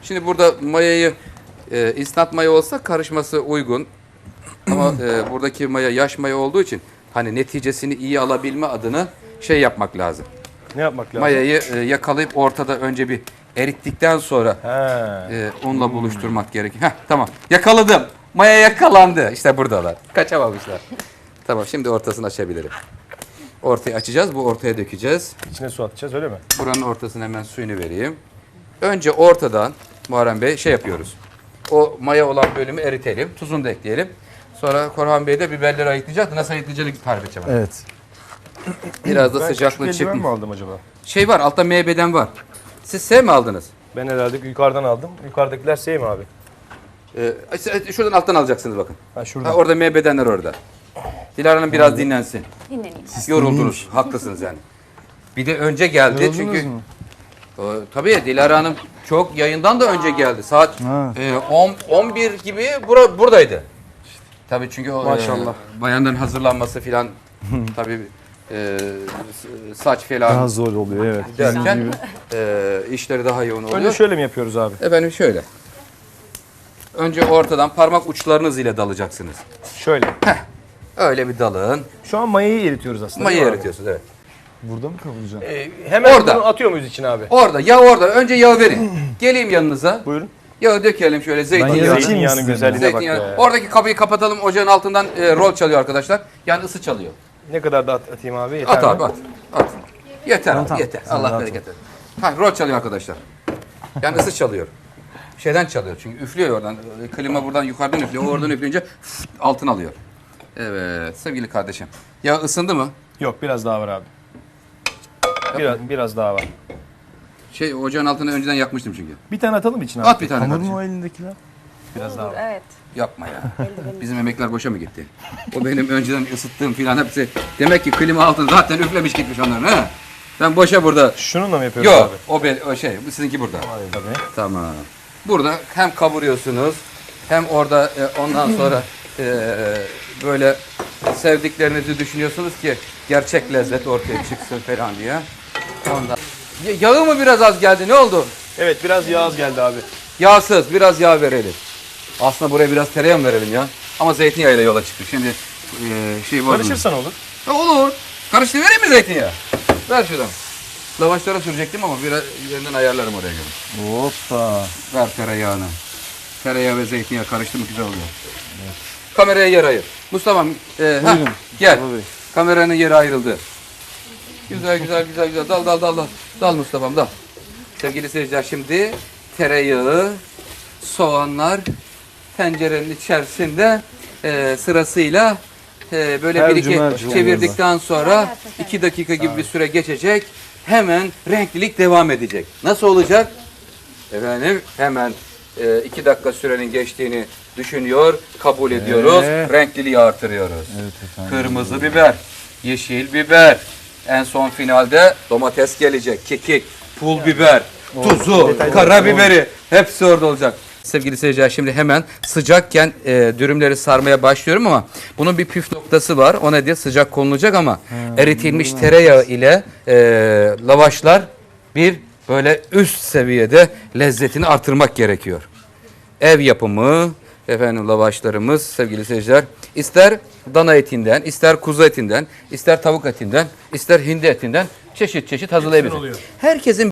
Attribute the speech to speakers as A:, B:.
A: Şimdi burada mayayı instant maya olsa karışması uygun. Ama buradaki maya yaş maya olduğu için hani neticesini iyi alabilme adına şey yapmak lazım.
B: Ne yapmak lazım?
A: Mayayı yakalayıp ortada önce bir erittikten sonra
B: He.
A: unla buluşturmak gerekiyor. Heh, tamam. Yakaladım. Maya yakalandı. İşte buradalar. Kaçamamışlar. Tamam, şimdi ortasını açabilirim. Ortayı açacağız. Bu ortaya dökeceğiz.
B: İçine su atacağız öyle mi?
A: Buranın ortasına hemen suyunu vereyim. Önce ortadan Muharrem Bey şey yapıyoruz. O maya olan bölümü eritelim. Tuzunu da ekleyelim. Sonra Korhan Bey de biberleri ayıklayacak. Nasıl ayıklayacağını tarif edeceğim.
C: Evet.
A: Biraz da
B: Ben
A: sıcaklığı
B: küçük eldiven mi
A: çıkmış.
B: aldım acaba?
A: Şey var, altta MB'den var. Siz S mi aldınız?
B: Ben herhalde yukarıdan aldım. Yukarıdakiler şey mi abi?
A: Şuradan alttan alacaksınız bakın.
B: Ha şurada.
A: Ha, orada MB'denler orada. Dilara'nın biraz dinlensin.
D: Dinleneyim.
A: Yoruldunuz. Haklısınız yani. Bir de önce geldi
C: Yoruldunuz
A: çünkü.
C: mu?
A: Tabii Dilara Hanım çok yayından da önce geldi. Saat
C: Ha.
A: 11 gibi buradaydı. Tabii çünkü o
B: Maşallah.
A: bayanların hazırlanması filan tabii saç falan
C: Daha zor oluyor evet.
A: derken işleri daha yoğun oluyor.
B: Önce şöyle mi yapıyoruz abi?
A: Efendim şöyle. Önce ortadan parmak uçlarınız ile dalacaksınız.
B: Şöyle.
A: Öyle bir dalın.
B: Şu an mayayı eritiyoruz aslında.
A: Mayayı
B: değil mi abi?
A: eritiyorsunuz, evet.
C: Burada mı kavuracaksın?
B: Hemen
A: Orada.
B: bunu atıyor muyuz içine abi?
A: Orada, yağ orada. Önce yağı verin. Geleyim yanınıza.
B: Buyurun.
A: Yağı dökelim şöyle,
C: Ben
A: zeytinyağı.
C: yağı atayım
B: Zeytinyağının
C: istedim.
B: güzelliğine bak
A: Zeytinyağı.
B: be.
A: Oradaki kapıyı kapatalım. Ocağın altından rol çalıyor arkadaşlar. Yani ısı çalıyor.
B: Ne kadar da atayım abi? Yeter
A: At
B: mi?
A: abi at. At. Yeter abi,
C: Tamam.
A: yeter.
C: Sen
A: Allah
C: rahat
A: bereket versin. Ha, rol çalıyor arkadaşlar. Yani ısı çalıyor. Şeyden çalıyor çünkü üflüyor oradan. Klima buradan yukarıdan üflüyor. O oradan üfleyince altın alıyor. Evet sevgili kardeşim. Ya ısındı mı?
B: Yok biraz daha var abi. Biraz daha var.
A: Şey ocağın altını önceden yakmıştım çünkü.
B: Bir tane atalım içine.
A: At bir tane
C: Hamur
A: kardeşim.
C: mu o elindekiler?
B: Biraz daha var.
D: Evet.
A: Yapma ya. Bizim emekler boşa mı gitti? O benim önceden ısıttığım filan hepsi. Demek ki klima altını zaten üflemiş gitmiş onların ha. Ben boşa burada.
B: Şununla mı yapıyoruz
A: Yok
B: abi?
A: o şey bu sizinki burada.
B: Tabii.
A: Tamam. Burada hem kavuruyorsunuz hem orada ondan sonra böyle sevdiklerinizi düşünüyorsunuz ki gerçek lezzet ortaya çıksın falan diye. Ondan. Yağı mı biraz az geldi? Ne oldu?
B: Evet biraz yağ az geldi abi.
A: Yağsız, biraz yağ verelim. Aslında buraya biraz tereyağı mı verelim ya? Ama zeytinyağıyla yola çıktık. Şimdi şey var.
B: Karışırsan olur.
A: Olur. Karıştırıvereyim mi zeytinyağı? Ver şuradan. Lavaşlara sürecektim ama biraz üzerinden ayarlarım oraya göre.
C: Hoppa.
A: Ver tereyağını. Tereyağı ve zeytinyağı karıştı mı güzel oluyor. Evet. Kameraya yer ayır. Mustafa'm
C: Buyurun.
A: gel.
C: Baba Bey.
A: Kameranın yeri ayrıldı. Güzel güzel güzel güzel. Dal. Dal Mustafa'm dal. Sevgili seyirciler şimdi tereyağı, soğanlar tencerenin içerisinde sırasıyla böyle bir iki
C: Mercimek
A: çevirdikten sonra 2 dakika gibi bir süre geçecek. Hemen renklilik devam edecek. Nasıl olacak? Efendim hemen 2 dakika sürenin geçtiğini düşünüyor, kabul ediyoruz. Renkliliği artırıyoruz.
C: Evet efendim.
A: Kırmızı biber, yeşil biber. En son finalde domates gelecek, kekik, pul biber, tuzu, karabiberi. Hepsi orada olacak. Sevgili seyirciler şimdi hemen sıcakken dürümleri sarmaya başlıyorum ama bunun bir püf noktası var. O nedir? Sıcak konulacak ama eritilmiş tereyağı ile lavaşlar bir böyle üst seviyede lezzetini artırmak gerekiyor. Ev yapımı efendim lavaşlarımız sevgili seyirciler ister dana etinden, ister kuzu etinden, ister tavuk etinden, ister hindi etinden çeşit çeşit hazırlayabilirsiniz. Herkesin